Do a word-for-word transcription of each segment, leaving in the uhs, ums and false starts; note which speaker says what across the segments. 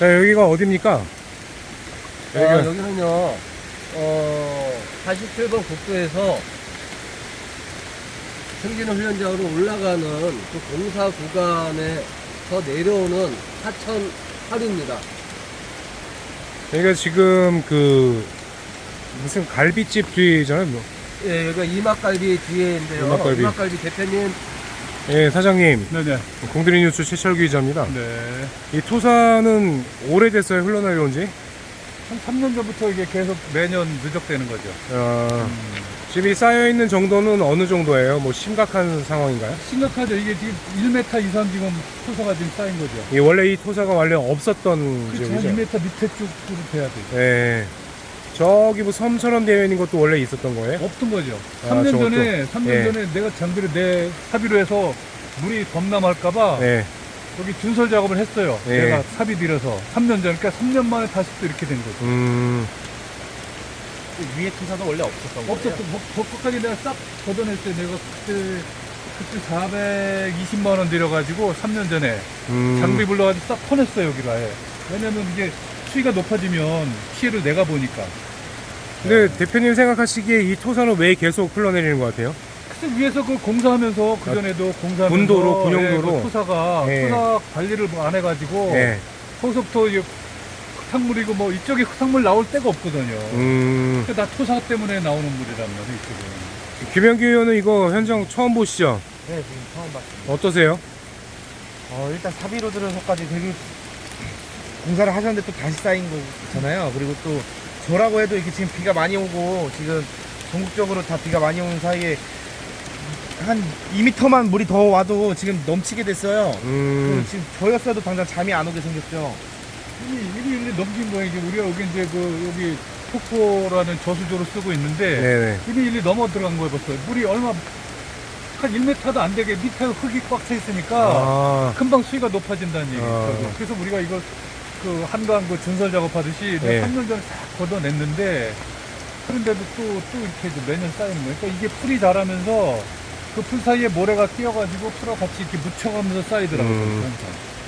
Speaker 1: 자, 여기가 어딥니까?
Speaker 2: 아,
Speaker 1: 여기가
Speaker 2: 여기는요, 어, 사십칠 번 국도에서 승진호 훈련장으로 올라가는 그 공사 구간에서 내려오는 하천 하류입니다.
Speaker 1: 여기가 지금 그 무슨 갈비집 뒤잖아요. 뭐.
Speaker 2: 예, 여기가 이막갈비 뒤에인데요.
Speaker 1: 이막갈비.
Speaker 2: 이막갈비 대표님.
Speaker 1: 예, 사장님.
Speaker 3: 네네.
Speaker 1: 공들이 뉴스 최철규 기자입니다.
Speaker 3: 네.
Speaker 1: 이 토사는 오래됐어요, 흘러내려온 지?
Speaker 3: 한 삼 년 전부터 이게 계속 매년 누적되는 거죠.
Speaker 1: 어,
Speaker 3: 음.
Speaker 1: 지금 이 쌓여있는 정도는 어느 정도예요? 뭐 심각한 상황인가요?
Speaker 3: 심각하죠. 이게 지금 일 미터 이상 지금 토사가 지금 쌓인 거죠.
Speaker 1: 이 원래 이 토사가 원래 없었던
Speaker 3: 그렇죠. 한
Speaker 1: 지역이죠?
Speaker 3: 이 미터 밑에 쪽으로 돼야 되죠.
Speaker 1: 예. 저기 뭐 섬처럼 되어 있는 것도 원래 있었던 거예요?
Speaker 3: 없던 거죠.
Speaker 1: 아,
Speaker 3: 삼 년
Speaker 1: 저것도?
Speaker 3: 전에, 삼 년
Speaker 1: 예.
Speaker 3: 전에 내가 장비를 내 사비로 해서 물이 범람할까봐
Speaker 1: 네.
Speaker 3: 여기 준설 작업을 했어요.
Speaker 1: 예.
Speaker 3: 내가 사비 들여서 삼 년 전, 그러니까 삼 년 만에 다시 또 이렇게 된 거죠.
Speaker 1: 음,
Speaker 2: 위에 투사도 원래 없었던
Speaker 3: 없었어. 뭐, 거기까지 내가 싹 걷어냈어요. 내가 그때, 그때 사백이십만 원 들여가지고 삼 년 전에
Speaker 1: 음.
Speaker 3: 장비 불러가지고 싹 퍼냈어요, 여기를 아예. 왜냐면 이게 수위가 높아지면 피해를 내가 보니까.
Speaker 1: 근데 대표님 생각하시기에 이 토사는 왜 계속 흘러내리는 것 같아요?
Speaker 3: 그래서 위에서 그 공사하면서, 그전에도 공사하면서.
Speaker 1: 분도로, 군용도로.
Speaker 3: 예, 그 토사가,
Speaker 1: 예.
Speaker 3: 토사 관리를 뭐안 해가지고.
Speaker 1: 예.
Speaker 3: 거기서부터 이게 흙탕물이고 뭐 이쪽에 흙탕물 나올 데가 없거든요.
Speaker 1: 음.
Speaker 3: 그러니까 다 토사 때문에 나오는 물이란 말이에요, 이쪽은.
Speaker 1: 김현규 의원은 이거 현장 처음 보시죠?
Speaker 2: 네, 지금 처음 봤습니다.
Speaker 1: 어떠세요?
Speaker 4: 어, 일단 사비로 들어서까지 되게 공사를 하셨는데 또 다시 쌓인 거잖아요. 그리고 또 저라고 해도 이렇게 지금 비가 많이 오고 지금 전국적으로 다 비가 많이 오는 사이에 한 이 미터만 물이 더 와도 지금 넘치게 됐어요.
Speaker 1: 음.
Speaker 4: 그리고 지금 저였어도 당장 잠이 안 오게 생겼죠.
Speaker 3: 이미, 이미 이미 넘긴 거예요. 이게 우리가 여기 이제 그, 여기 폭포라는 저수조로 쓰고 있는데.
Speaker 1: 네네.
Speaker 3: 이미 일리 넘어 들어간 거예요, 벌써. 물이 얼마, 한 일 미터도 안 되게 밑에 흙이 꽉 차 있으니까.
Speaker 1: 아.
Speaker 3: 금방 수위가 높아진다는 얘기죠.
Speaker 1: 아.
Speaker 3: 그래서 우리가 이걸 그 한강 그 준설 작업하듯이
Speaker 1: 네.
Speaker 3: 삼 년 전에 싹 걷어냈는데 그런데도 또, 또 이렇게 이제 매년 쌓이는 거예요. 그러니까 이게 풀이 자라면서 그 풀 사이에 모래가 끼어가지고 풀하고 같이 이렇게 묻혀가면서 쌓이더라고요.
Speaker 1: 음.
Speaker 3: 항상.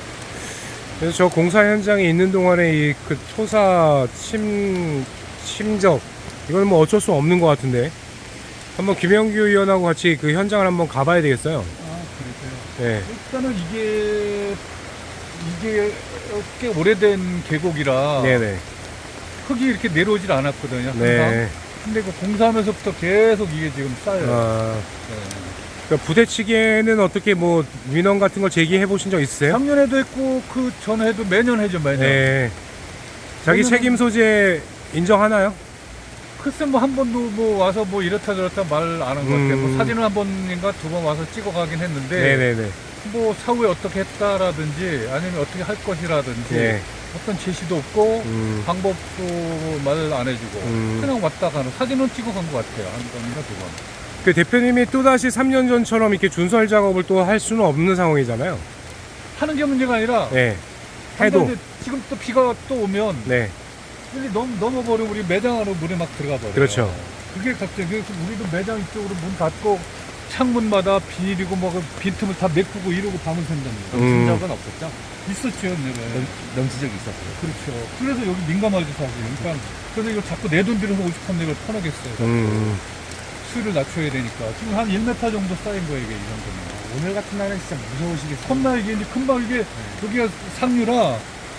Speaker 1: 그래서 저 공사 현장에 있는 동안에 이 그 토사 침, 침적, 이건 뭐 어쩔 수 없는 것 같은데. 한번 김현규 의원하고 같이 그 현장을 한번 가봐야 되겠어요.
Speaker 3: 아, 그러세요.
Speaker 1: 네.
Speaker 3: 일단은 이게, 이게 꽤 오래된 계곡이라
Speaker 1: 네네.
Speaker 3: 흙이 이렇게 내려오질 않았거든요. 항상.
Speaker 1: 네.
Speaker 3: 근데 그 공사하면서부터 계속 이게 지금 쌓여요.
Speaker 1: 아,
Speaker 3: 네.
Speaker 1: 그러니까 부대찌개는 어떻게 뭐 민원 같은 걸 제기해 보신 적 있으세요?
Speaker 3: 작년에도 했고 그 전에도 매년 해죠, 매년.
Speaker 1: 네. 자기
Speaker 3: 왜냐면-
Speaker 1: 책임 소재 인정하나요?
Speaker 3: 글쎄 뭐 한 번도 뭐 와서 뭐 이렇다 저렇다 말 안 한 것 같아요.
Speaker 1: 음.
Speaker 3: 뭐 사진을 한 번인가 두 번 와서 찍어가긴 했는데
Speaker 1: 네네네.
Speaker 3: 뭐 사후에 어떻게 했다라든지 아니면 어떻게 할 것이라든지
Speaker 1: 네.
Speaker 3: 어떤 제시도 없고
Speaker 1: 음.
Speaker 3: 방법도 말 안 해주고
Speaker 1: 음.
Speaker 3: 그냥 왔다 가는 사진은 찍어간 것 같아요. 한 번인가 두 번.
Speaker 1: 그 대표님이 또다시 삼 년 전처럼 이렇게 준설 작업을 또 할 수는 없는 상황이잖아요.
Speaker 3: 하는 게 문제가 아니라
Speaker 1: 네.
Speaker 3: 근데
Speaker 1: 해도.
Speaker 3: 이제 지금 또 비가 또 오면
Speaker 1: 네.
Speaker 3: 빨리 넘, 넘어버리면 우리 매장 안으로 물이 막 들어가 버려요.
Speaker 1: 그렇죠.
Speaker 3: 그게 갑자기 그래서 우리도 매장 이쪽으로 문 닫고 창문마다 비닐이고 뭐그 빈틈을 다 메꾸고 이러고 밤을 샌답니다.
Speaker 1: 음.
Speaker 2: 적은 없었죠?
Speaker 3: 있었죠, 옛날에.
Speaker 2: 넘치 적이 있었어요.
Speaker 3: 그렇죠. 그래서 여기 민감하죠, 사실. 그러니까 그래서 이거 자꾸 내 돈 들여서 오죽한 내걸 퍼내겠어요.
Speaker 1: 음.
Speaker 3: 수위를 낮춰야 되니까. 지금 한 일 미터 정도 쌓인 거예요, 이게 이 정도면.
Speaker 4: 오늘 같은 날은 진짜 무서우시겠어요.
Speaker 3: 컵나 이게 이제 금방 이게 여기가 상류라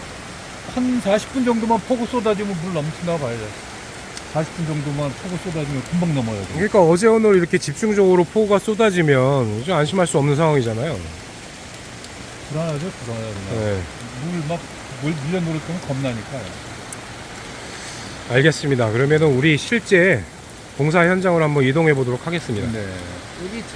Speaker 3: 한 사십 분 정도만 폭우 쏟아지면 물 넘친다고 봐야죠. 사십 분 정도만 폭우 쏟아지면 금방 넘어요. 이거.
Speaker 1: 그러니까 어제 오늘 이렇게 집중적으로 폭우가 쏟아지면 좀 안심할 수 없는 상황이잖아요.
Speaker 3: 불안하죠, 불안하죠.
Speaker 1: 네.
Speaker 3: 물막 물 밀려놓을 거면 겁나니까요.
Speaker 1: 알겠습니다. 그러면은 우리 실제 공사 현장으로 한번 이동해 보도록 하겠습니다.
Speaker 3: 네.
Speaker 2: 여기